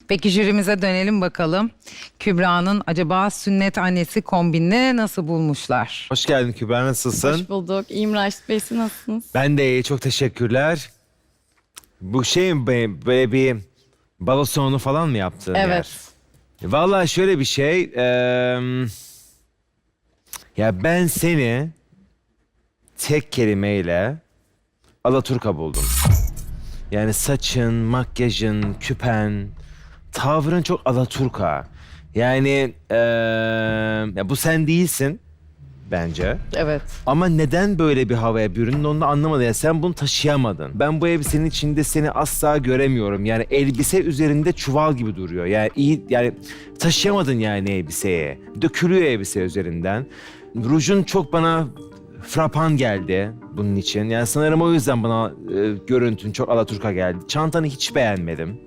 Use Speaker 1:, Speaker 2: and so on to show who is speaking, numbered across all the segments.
Speaker 1: Peki jürimize dönelim bakalım. Kübra'nın acaba sünnet annesi kombinini nasıl bulmuşlar?
Speaker 2: Hoş geldin Kübra, nasılsın?
Speaker 3: Hoş bulduk. İyiyim Raşit Bey, siz nasılsınız?
Speaker 2: Ben de iyi, çok teşekkürler. Bu şey mi, böyle bir balo salonu falan mı yaptın?
Speaker 3: Evet.
Speaker 2: Vallahi şöyle bir şey. Ya ben seni tek kelimeyle alaturka buldum. Yani saçın, makyajın, küpen, tavrın çok alaturka. Yani ya bu sen değilsin bence.
Speaker 3: Evet.
Speaker 2: Ama neden böyle bir havaya büründün onu da anlamadım. Yani sen bunu taşıyamadın. Ben bu elbisenin içinde seni asla göremiyorum. Yani elbise üzerinde çuval gibi duruyor. Yani iyi, yani taşıyamadın yani elbiseyi. Dökülüyor elbise üzerinden. Rujun çok bana frapan geldi bunun için. Yani sanırım o yüzden bana görüntün çok alaturka geldi. Çantanı hiç beğenmedim.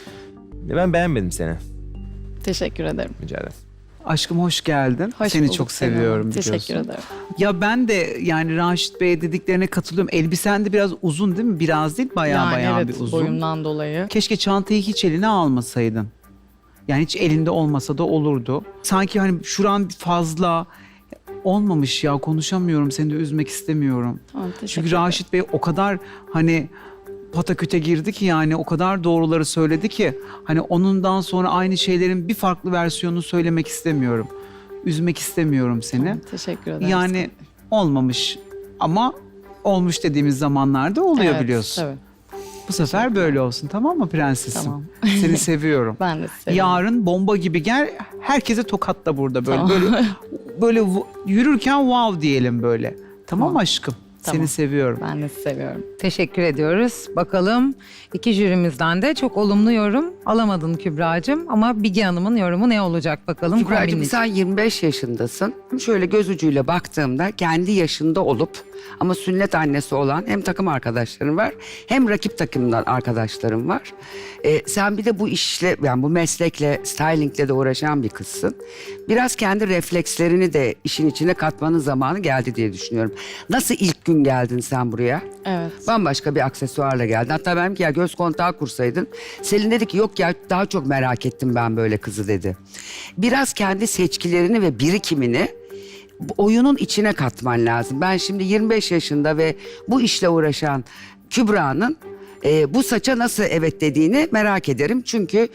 Speaker 2: Ben beğenmedim seni.
Speaker 3: Teşekkür ederim.
Speaker 2: Rica ederim.
Speaker 4: Aşkım hoş geldin.
Speaker 3: Hoş
Speaker 4: Seni
Speaker 3: bulduk
Speaker 4: çok
Speaker 3: Selin Hanım.
Speaker 4: seviyorum biliyorsun.
Speaker 3: Teşekkür ederim.
Speaker 4: Ya ben de yani Raşit Bey'e dediklerine katılıyorum. Elbisen de biraz uzun değil mi? Biraz değil, bayağı
Speaker 3: evet,
Speaker 4: bir uzun.
Speaker 3: boyumdan dolayı.
Speaker 4: Keşke çantayı hiç eline almasaydın. Yani hiç elinde olmasa da olurdu. Sanki hani şuran fazla olmamış ya, konuşamıyorum. Seni de üzmek istemiyorum.
Speaker 3: Tamam, teşekkür
Speaker 4: Çünkü
Speaker 3: ederim.
Speaker 4: Raşit Bey o kadar hani pataküte girdi ki, yani o kadar doğruları söyledi ki hani onundan sonra aynı şeylerin bir farklı versiyonunu söylemek istemiyorum. Üzmek istemiyorum seni.
Speaker 3: Tamam, teşekkür ederim.
Speaker 4: Yani olmamış ama olmuş dediğimiz zamanlarda oluyor
Speaker 3: Evet,
Speaker 4: biliyorsun.
Speaker 3: Evet.
Speaker 4: Bu sefer böyle olsun, tamam mı prensesim?
Speaker 3: Tamam.
Speaker 4: Seni seviyorum.
Speaker 3: Ben de seviyorum.
Speaker 4: Yarın bomba gibi gel, herkese tokatla burada böyle.
Speaker 3: Tamam.
Speaker 4: Böyle yürürken wow diyelim böyle. Tamam mı aşkım?
Speaker 3: Tamam.
Speaker 4: Seni seviyorum.
Speaker 3: Ben de seviyorum.
Speaker 1: Teşekkür ediyoruz. Bakalım iki jürimizden de çok olumlu yorum alamadın Kübra'cığım. Ama Bigi Hanım'ın yorumu ne olacak bakalım
Speaker 5: Kübra'cığım
Speaker 1: kombinin
Speaker 5: sen 25 yaşındasın. Şöyle göz ucuyla baktığımda kendi yaşında olup ama sünnet annesi olan hem takım arkadaşların var hem rakip takımdan arkadaşlarım var. Sen bir de bu işle, yani bu meslekle, stylingle de uğraşan bir kızsın. Biraz kendi reflekslerini de işin içine katmanın zamanı geldi diye düşünüyorum. Nasıl ilk gün geldin sen buraya?
Speaker 3: Evet.
Speaker 5: Bambaşka bir aksesuarla geldin. Hatta ben ki ya göz kontağı kursaydın. Selin dedi ki yok ya daha çok merak ettim ben böyle kızı dedi. Biraz kendi seçkilerini ve birikimini bu oyunun içine katman lazım. Ben şimdi 25 yaşında ve bu işle uğraşan Kübra'nın bu saça nasıl evet dediğini merak ederim. Çünkü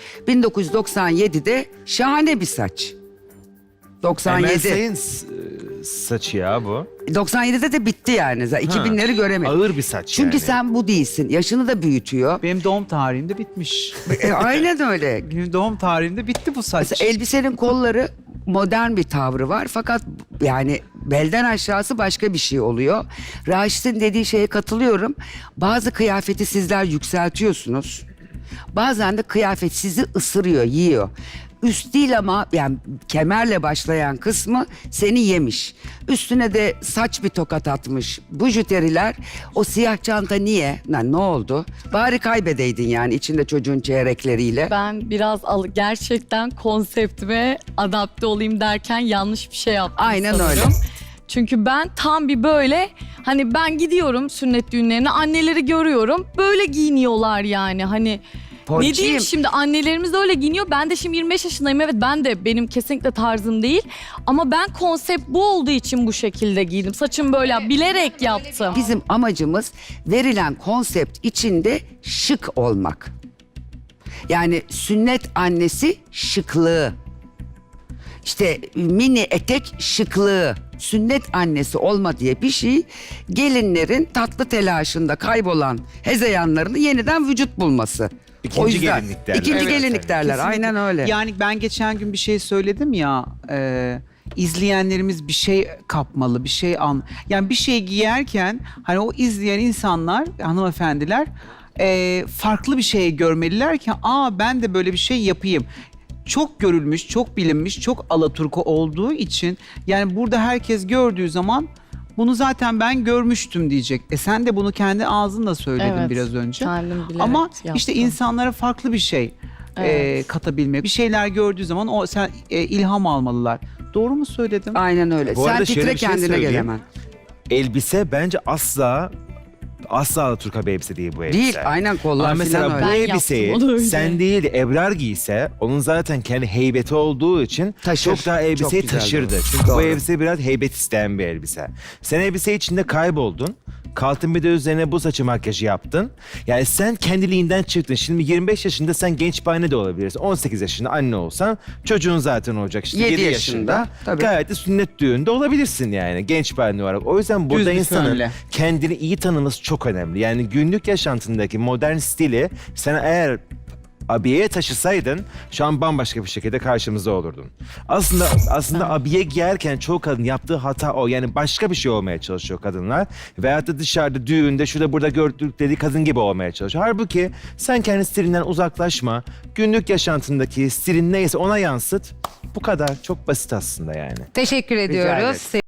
Speaker 5: 1997'de şahane bir saç.
Speaker 2: Emel
Speaker 5: 97.
Speaker 2: Sayın saçı ya bu.
Speaker 5: 97'de de bitti yani. 2000'leri göremedim.
Speaker 2: Ağır bir saç
Speaker 5: Çünkü
Speaker 2: yani.
Speaker 5: sen bu değilsin. Yaşını da büyütüyor.
Speaker 4: Benim doğum tarihimde bitmiş.
Speaker 5: Aynen öyle.
Speaker 4: Benim doğum tarihimde bitti bu saç.
Speaker 5: Mesela elbisenin kolları modern bir tavrı var. Fakat yani belden aşağısı başka bir şey oluyor. Raşit'in dediği şeye katılıyorum. Bazı kıyafeti sizler yükseltiyorsunuz. Bazen de kıyafet sizi ısırıyor, yiyor. Üst değil ama yani kemerle başlayan kısmı seni yemiş. Üstüne de saç bir tokat atmış. Bujuteriler, o siyah çanta niye? Ne oldu? Bari kaybedeydin yani içinde çocuğun çeyrekleriyle.
Speaker 3: Ben biraz gerçekten konseptime adapte olayım derken yanlış bir şey yaptım
Speaker 5: Aynen
Speaker 3: sanırım.
Speaker 5: öyle.
Speaker 3: Çünkü ben tam bir böyle hani ben gidiyorum sünnet düğünlerine, anneleri görüyorum böyle giyiniyorlar yani hani. Ne
Speaker 5: Ponçiyim.
Speaker 3: diyeyim şimdi, annelerimiz de öyle giyiniyor. Ben de şimdi 25 yaşındayım, evet, ben de, benim kesinlikle tarzım değil. Ama ben konsept bu olduğu için bu şekilde giydim. Saçım böyle bilerek yaptım.
Speaker 5: Bizim amacımız verilen konsept içinde şık olmak. Yani sünnet annesi şıklığı. İşte mini etek şıklığı. Sünnet annesi olma diye bir şey gelinlerin tatlı telaşında kaybolan hezeyanlarını yeniden vücut bulması.
Speaker 2: İkinci gelinlik derler.
Speaker 5: İkinci
Speaker 2: Evet,
Speaker 5: gelinlik
Speaker 2: evet.
Speaker 5: derler.
Speaker 4: Kesinlikle.
Speaker 5: Aynen öyle.
Speaker 4: Yani ben geçen gün bir şey söyledim ya, izleyenlerimiz bir şey kapmalı, bir şey yani bir şey giyerken hani o izleyen insanlar, hanımefendiler farklı bir şey görmeliler ki ben de böyle bir şey yapayım. Çok görülmüş, çok bilinmiş, çok alaturka olduğu için yani burada herkes gördüğü zaman bunu zaten ben görmüştüm diyecek. Sen de bunu kendi ağzınla söyledin
Speaker 3: Evet,
Speaker 4: biraz önce.
Speaker 3: kendim bilerek
Speaker 4: Ama işte
Speaker 3: yaptım.
Speaker 4: insanlara farklı bir şey
Speaker 3: Evet.
Speaker 4: katabilmek. Bir şeyler gördüğü zaman ilham almalılar. Doğru mu söyledim?
Speaker 5: Aynen öyle.
Speaker 2: Bu
Speaker 5: Sen
Speaker 2: arada şöyle
Speaker 5: titre
Speaker 2: bir şey
Speaker 5: kendine gel
Speaker 2: söyleyeyim.
Speaker 5: hemen.
Speaker 2: Elbise bence asla Asla Alaturka bir elbise değil bu elbise.
Speaker 5: Değil, aynen kollar
Speaker 2: Ama mesela
Speaker 5: falan
Speaker 2: bu
Speaker 5: öyle.
Speaker 3: Ben
Speaker 2: elbiseyi
Speaker 3: yaptım onu öyle.
Speaker 2: sen değil Ebrar giyse onun zaten kendi heybeti olduğu için
Speaker 5: Taşır.
Speaker 2: çok daha elbiseyi
Speaker 5: Çok güzel,
Speaker 2: taşırdı.
Speaker 5: doğru.
Speaker 2: Çünkü bu
Speaker 5: Doğru.
Speaker 2: elbise biraz heybet isteyen bir elbise. Sen elbise içinde kayboldun. Kalktın bir de üzerine bu saçı makyajı yaptın. Yani sen kendiliğinden çıktın. Şimdi 25 yaşında sen genç bir anne de olabilirsin. 18 yaşında anne olsan çocuğun zaten olacak. İşte
Speaker 5: 7
Speaker 2: 7 yaşında.
Speaker 5: yaşında, tabii.
Speaker 2: Gayet de sünnet düğünde olabilirsin yani genç bir anne olarak. O yüzden burada
Speaker 4: Düz bir
Speaker 2: insanın
Speaker 4: fönle.
Speaker 2: kendini iyi tanıması çok önemli. Yani günlük yaşantındaki modern stili sen eğer abiyeye taşısaydın şu an bambaşka bir şekilde karşımızda olurdun. Aslında abiye giyerken çoğu kadın yaptığı hata o. Yani başka bir şey olmaya çalışıyor kadınlar. Veyahut da dışarıda düğünde şurada burada gördük dediği kadın gibi olmaya çalışıyor. Halbuki sen kendi stilinden uzaklaşma. Günlük yaşantındaki stilin neyse ona yansıt. Bu kadar. Çok basit aslında yani.
Speaker 1: Teşekkür
Speaker 5: ederim.
Speaker 1: ediyoruz.